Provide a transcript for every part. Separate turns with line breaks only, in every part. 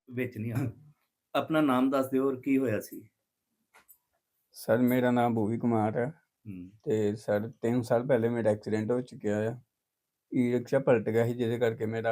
ਵਿੱਚ ਨਹੀਂ ਆਉਣਾ। ਆਪਣਾ ਨਾਮ ਦੱਸ ਦਿਓ ਔਰ ਕੀ ਹੋਇਆ ਸੀ?
ਸਰ ਮੇਰਾ ਨਾਮ ਭੂਵੀ ਕੁਮਾਰ ਹੈ
ਹੂੰ,
ਤੇ ਸਰ 3 ਸਾਲ ਪਹਿਲੇ ਮੇਰਾ ਐਕਸੀਡੈਂਟ ਹੋ ਚੁੱਕਿਆ ਆ। ਈ-ਰਿਕਸ਼ਾ ਪਲਟ ਗਿਆ ਸੀ ਜਿਹਦੇ ਕਰਕੇ ਮੇਰਾ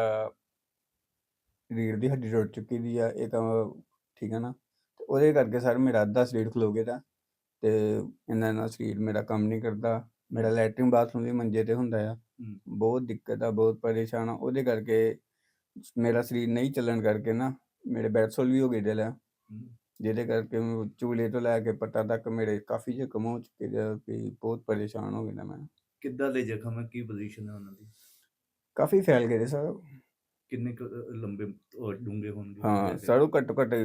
ਰੀੜ੍ਹ ਦੀ ਹੱਡੀ ਟੁੱਟ ਚੁੱਕੀ ਦੀ ਆ। ਇਹ ਤਾਂ ਠੀਕ ਹੈ ਨਾ, ਤੇ ਉਹਦੇ ਕਰਕੇ ਸਰ ਮੇਰਾ ਅੱਧਾ ਸਰੀਰ ਖਲੋ ਗਿਆ ਦਾ ਤੇ ਇਹਨਾਂ ਨਾਲ ਸਰੀਰ ਮੇਰਾ ਕੰਮ ਨਹੀਂ ਕਰਦਾ। ਮੇਰਾ ਲੈਟਰਿੰਗ ਬਾਥਰੂਮ ਵੀ ਮੰਜੇ ਤੇ ਹੁੰਦਾ ਆ।
ਹੂੰ,
ਬਹੁਤ ਦਿੱਕਤ ਆ, ਬਹੁਤ ਪਰੇਸ਼ਾਨ ਆ। ਉਹਦੇ ਕਰਕੇ ਮੇਰਾ ਸਰੀਰ ਨਹੀਂ ਚੱਲਣ ਕਰਕੇ ਨਾ ਮੇਰੇ ਬੈਡਸੋਲ ਵੀ ਹੋ ਗਏ ਦਿਲ ਆ,
ਹੂੰ।
ਜਿਹਦੇ ਕਰਕੇ ਚੂਲੇ ਤੋਂ ਲੈ ਕੇ ਪੱਟਾਂ ਤੱਕ ਮੇਰੇ ਕਾਫੀ ਜ਼ਖਮ ਹੋ ਚੁੱਕੇ ਦੇ ਆ ਵੀ ਬਹੁਤ ਪਰੇਸ਼ਾਨ ਹੋ ਗਿਆ ਮੈਂ।
ਕਿੱਦਾਂ ਦੇ ਜ਼ਖਮ ਹੈ? ਕੀ ਪੋਜੀਸ਼ਨ ਹੈ ਉਹਨਾਂ ਦੀ?
ਕਾਫੀ ਫੈਲ ਗਏ ਸਰ।
ਕਿੰਨੇ ਕੁ ਲੰਬੇ ਔਰ ਡੂੰਘੇ ਹੋਣਗੇ
ਹਾਂ
ਵੈਸੇ?
ਸਰ, ਉਹ ਘੱਟੋ ਘੱਟ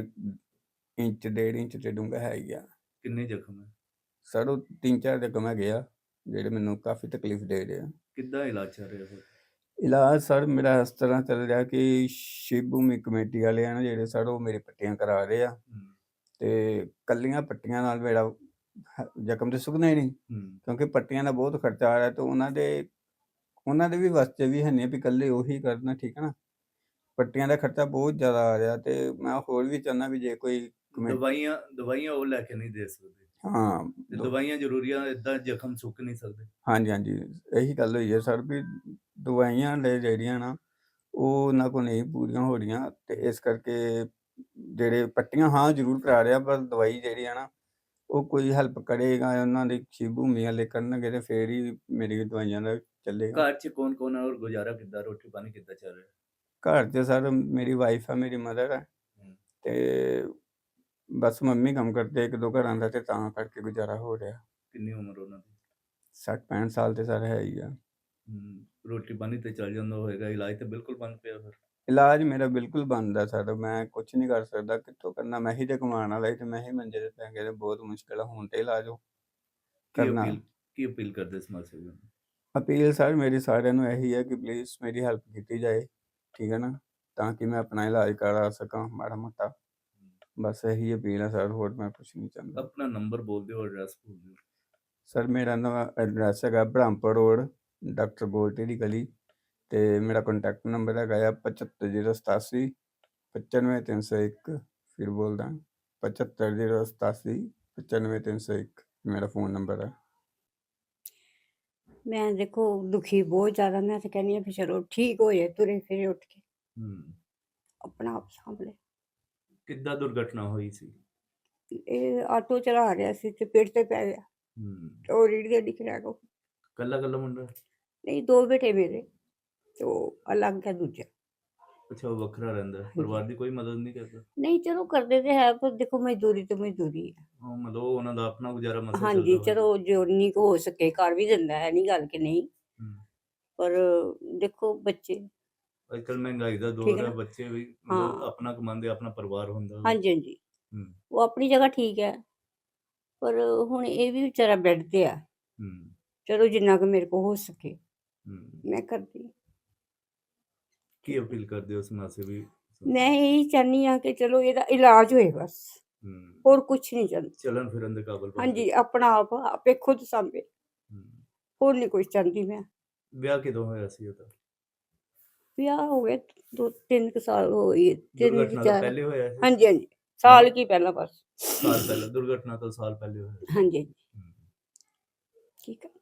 ਇੰਚ 1.5 ਇੰਚ ਤੇ ਡੂੰਘਾ ਹੈ ਹੀ ਆ।
ਕਿੰਨੇ ਜ਼ਖਮ ਹੈ?
ਸਰ ਉਹ 3-4 ਜ਼ਖਮ ਹੈਗੇ ਆ ਜਿਹੜੇ ਮੈਨੂੰ ਕਾਫੀ ਤਕਲੀਫ ਦੇ ਰਹੇ ਆ।
ਕਿੱਦਾਂ ਇਲਾਜ ਚੱਲ ਰਿਹਾ ਫਿਰ?
ਇਲਾਜ ਸਰ ਮੇਰਾ ਇਸ ਤਰ੍ਹਾਂ ਚੱਲ ਰਿਹਾ ਕਿ ਸ਼ਿਵ ਭੂਮੀ ਕਮੇਟੀ ਵਾਲੇ ਆ ਨਾ ਜਿਹੜੇ ਸਰ, ਉਹ ਮੇਰੇ ਪੱਟੀਆਂ ਕਰਾ ਰਹੇ ਆ
ਹੂੰ,
ਤੇ ਕੱਲੀਆਂ ਪੱਟੀਆਂ ਨਾਲ ਮੇਰਾ ਜ਼ਖਮ ਤੇ ਸੁੱਕਣਾ ਹੀ ਨਹੀਂ,
ਹੂੰ।
ਕਿਉਂਕਿ ਪੱਟੀਆਂ ਦਾ ਬਹੁਤ ਖਰਚਾ ਆ ਰਿਹਾ ਤੇ ਉਹਨਾਂ ਦੇ ਵੀ ਵਾਸਤੇ ਵੀ ਹੈ ਨਹੀਂ ਵੀ ਇਕੱਲੇ ਉਹੀ ਕਰਨਾ, ਠੀਕ ਹੈ ਨਾ। ਪੱਟੀਆਂ ਦਾ ਖਰਚਾ ਬਹੁਤ ਜ਼ਿਆਦਾ ਆ ਰਿਹਾ ਤੇ ਮੈਂ ਹੋਰ ਵੀ ਚਾਹੁੰਦਾ ਵੀ ਜੇ ਕੋਈ
ਦਵਾਈਆਂ ਉਹ ਲੈ ਕੇ ਨਹੀਂ ਦੇ ਸਕਦੇ
ਹਾਂ
ਤੇ ਦਵਾਈਆਂ ਜ਼ਰੂਰੀਆਂ, ਏਦਾਂ ਜ਼ਖਮ ਸੁੱਕ ਨਹੀਂ ਸਕਦੇ।
ਹਾਂਜੀ, ਇਹੀ ਗੱਲ ਹੋਈ ਹੈ ਸਰ ਵੀ ਦਵਾਈਆਂ ਜਿਹੜੀਆਂ ਨਾ ਉਹ ਉਹਨਾਂ ਕੋਲ ਨਹੀਂ ਪੂਰੀਆਂ ਹੋ ਰਹੀਆਂ ਤੇ ਇਸ ਕਰਕੇ ਜਿਹੜੇ ਪੱਟੀਆਂ ਹਾਂ ਜ਼ਰੂਰ ਕਰਾ ਰਿਹਾ, ਪਰ ਦਵਾਈ ਜਿਹੜੀ ਆ ਨਾ ਉਹ ਕੋਈ ਹੈਲਪ ਕਰੇਗਾ ਉਹਨਾਂ ਦੀ ਸ਼ਿਵ ਭੂਮੀ ਵਾਲੇ ਕਰਨਗੇ ਤੇ ਫੇਰ ਹੀ ਮੇਰੀ ਦਵਾਈਆਂ ਦਾ ਚੱਲੇਗਾ।
ਘਰ 'ਚ ਕੌਣ ਹੈ ਔਰ ਗੁਜ਼ਾਰਾ ਕਿੱਦਾਂ, ਰੋਟੀ ਪਾਣੀ ਕਿੱਦਾਂ ਚੱਲ ਰਿਹਾ?
ਘਰ 'ਚ ਸਰ ਮੇਰੀ ਵਾਈਫ ਆ, ਮੇਰੀ ਮਦਰ ਆ ਤੇ ਬਸ ਮੰਮੀ ਕੰਮ ਕਰਦੇ 1-2 ਘਰਾਂ ਦਾ ਤੇ ਤਾਂ ਕਰਕੇ ਗੁਜ਼ਾਰਾ ਹੋ ਰਿਹਾ।
ਕਿੰਨੀ ਉਮਰ ਉਹਨਾਂ ਦੀ?
60-65 ਸਾਲ ਤੇ ਸਰ ਹੈ ਹੀ ਆ।
ਰੋਟੀ ਪਾਣੀ ਤੇ ਚੱਲ ਜਾਂਦਾ ਹੋਏਗਾ, ਇਲਾਜ ਤੇ ਬਿਲਕੁਲ ਬੰਦ ਪਿਆ ਫਿਰ?
ਇਲਾਜ ਮੇਰਾ ਬਿਲਕੁਲ ਬੰਦ ਆ ਸਰ, ਮੈਂ ਕੁਛ ਨਹੀਂ ਕਰ ਸਕਦਾ। ਕਿੱਥੋਂ ਕਰਨਾ? ਮੈਂ ਹੀ ਤੇ ਕਮਾਉਣ ਵਾਲਾ ਤੇ ਮੈਂ ਹੀ ਮੰਜੇ ਤੇ ਪੈ ਗਿਆ ਤੇ ਬਹੁਤ ਮੁਸ਼ਕਿਲ ਆ ਹੁਣ ਤੇ ਇਲਾਜ ਕਰਨਾ।
ਕੀ ਅਪੀਲ ਕਰਦੇ ਸਮਾਜ ਸੇਵੀਆਂ ਨੂੰ?
ਅਪੀਲ ਸਰ ਮੇਰੀ ਸਾਰਿਆਂ ਨੂੰ ਇਹੀ ਹੈ ਕਿ ਪਲੀਜ਼ ਮੇਰੀ ਹੈਲਪ ਕੀਤੀ ਜਾਏ, ਠੀਕ ਹੈ ਨਾ, ਤਾਂ ਕਿ ਮੈਂ ਆਪਣਾ ਇਲਾਜ ਕਰਾ ਸਕਾਂ ਮਾੜਾ ਮੋਟਾ। ਬਸ ਇਹੀ ਅਪੀਲ ਹੈ ਸਰ, ਹੋਰ ਮੈਂ ਕੁਛ ਨਹੀਂ ਚਾਹੁੰਦਾ।
ਆਪਣਾ ਨੰਬਰ ਬੋਲ ਦਿਓ, ਐਡਰੈਸ ਬੋਲ ਦਿਓ।
ਸਰ ਮੇਰਾ ਨਵਾਂ ਐਡਰੈਸ ਹੈਗਾ ਬ੍ਰਹਮਪੁਰ ਰੋਡ, ਡਾਕਟਰ ਗੋਲਟੀ ਦੀ ਗਲੀ ਤੇ ਮੇਰਾ ਕੰਟੈਕਟ ਨੰਬਰ ਹੈਗਾ ਆ 75087 95301। ਫਿਰ ਬੋਲਦਾ 75087 95301 ਮੇਰਾ ਫੋਨ ਨੰਬਰ ਹੈ।
ਮੈਂ ਦੇਖੋ ਦੁਖੀ ਬਹੁਤ ਜ਼ਿਆਦਾ, ਮੈਂ ਤਾਂ ਕਹਿੰਦੀ ਹਾਂ ਵੀ ਚਲੋ ਠੀਕ ਹੋ ਜਾਏ, ਤੁਰੇ ਫਿਰੇ ਉੱਠ ਕੇ ਆਪਣਾ ਆਪ ਸਾਂਭ ਲੈ।
ਕਿੱਦਾਂ ਦੁਰਘਟਨਾ ਹੋਈ ਸੀ?
ਇਹ ਆਟੋ ਚਲਾ ਰਿਹਾ ਸੀ ਤੇ ਪੇੜ ਤੇ ਪੈ ਗਿਆ ਤੇ ਉਹ ਰੀੜ੍ਹ ਦੀ ਹੱਡੀ ਕਰੈਕ ਹੋ ਗਈ।
ਕੱਲਾ ਮੁੰਡਾ?
ਨਹੀਂ, 2 ਬੇਟੇ ਮੇਰੇ ਤੇ ਉਹ ਅਲੱਗ ਹੈ ਦੂਜਾ।
ਅੱਛਾ, ਉਹ ਵੱਖਰਾ ਰਹਿੰਦਾ ਹੈ। ਪਰਿਵਾਰ ਦੀ ਕੋਈ ਮਦਦ ਨਹੀਂ ਕਰਦਾ?
ਨਹੀਂ, ਚਲੋ ਕਰਦੇ ਤੇ ਹੈ, ਪਰ ਦੇਖੋ ਮਜ਼ਦੂਰੀ ਤੇ ਮਜ਼ਦੂਰੀ ਹੈ।
ਮਤਲਬ ਉਹਨਾਂ ਦਾ ਆਪਣਾ ਗੁਜ਼ਾਰਾ ਮਸਾ ਚੱਲਦਾ
ਹਾਂਜੀ,
ਹੋਏਗਾ।
ਚਲੋ ਜਿੰਨੀ ਕੁ ਹੋ ਸਕੇ ਕਰ ਵੀ ਦਿੰਦਾ ਹੈ, ਨਹੀਂ ਗੱਲ ਕਿ ਨਹੀਂ, ਪਰ ਦੇਖੋ ਬੱਚੇ
ਅੱਜ ਕੱਲ੍ਹ ਮਹਿੰਗਾਈ ਦਾ ਦੌਰ ਹੈ, ਬੱਚੇ ਵੀ ਮਤਲਬ ਆਪਣਾ ਕਮਾਉਂਦੇ, ਆਪਣਾ ਪਰਿਵਾਰ ਹੁੰਦਾ।
ਹਾਂਜੀ, ਉਹ ਆਪਣੀ ਜਗ੍ਹਾ ਠੀਕ ਹੈ, ਪਰ ਹੁਣ ਇਹ ਵੀ ਵਿਚਾਰਾ ਬੈੱਡ ਤੇ ਆ। ਚਲੋ ਜਿੰਨਾ ਕੁ ਮੇਰੇ ਕੋਲ ਹੋ ਸਕੇ ਮੈਂ ਕਰਦੀ।
ਕੀ ਅਪੀਲ ਕਰਦੇ ਹੋ ਸਮਾਜ ਸੇਵੀ?
ਮੈਂ ਇਹੀ ਚਾਹੁੰਦੀ ਹਾਂ ਕਿ ਚਲੋ ਇਹਦਾ ਇਲਾਜ ਹੋਏ ਬਸ, ਹੋਰ ਕੁਛ ਨਹੀਂ ਚਾਹੁੰਦੀ।
ਚੱਲਣ ਫਿਰਨ ਦੇ ਕਾਬਲ ਬਣ
ਹਾਂਜੀ, ਆਪਣਾ ਆਪ ਆਪੇ ਖੁਦ ਸਾਂਭੇ, ਹੋਰ ਨਹੀਂ ਕੁਛ ਚਾਹੁੰਦੀ ਮੈਂ।
ਵਿਆਹ ਕਿਦੋਂ ਹੋਇਆ ਸੀ ਉਹਦਾ?
ਵਿਆਹ ਹੋ ਗਏ 2-3 ਸਾਲ ਹੋ ਗਏ, 3-4
ਪਹਿਲੇ ਹੋਇਆ ਸੀ?
ਹਾਂਜੀ, ਸਾਲ ਕੀ ਪਹਿਲਾਂ ਬਸ।
ਸਾਲ ਪਹਿਲਾਂ? ਦੁਰਘਟਨਾ ਤੋਂ ਸਾਲ ਪਹਿਲੇ ਹੋਇਆ?
ਹਾਂਜੀ, ਠੀਕ ਹੈ।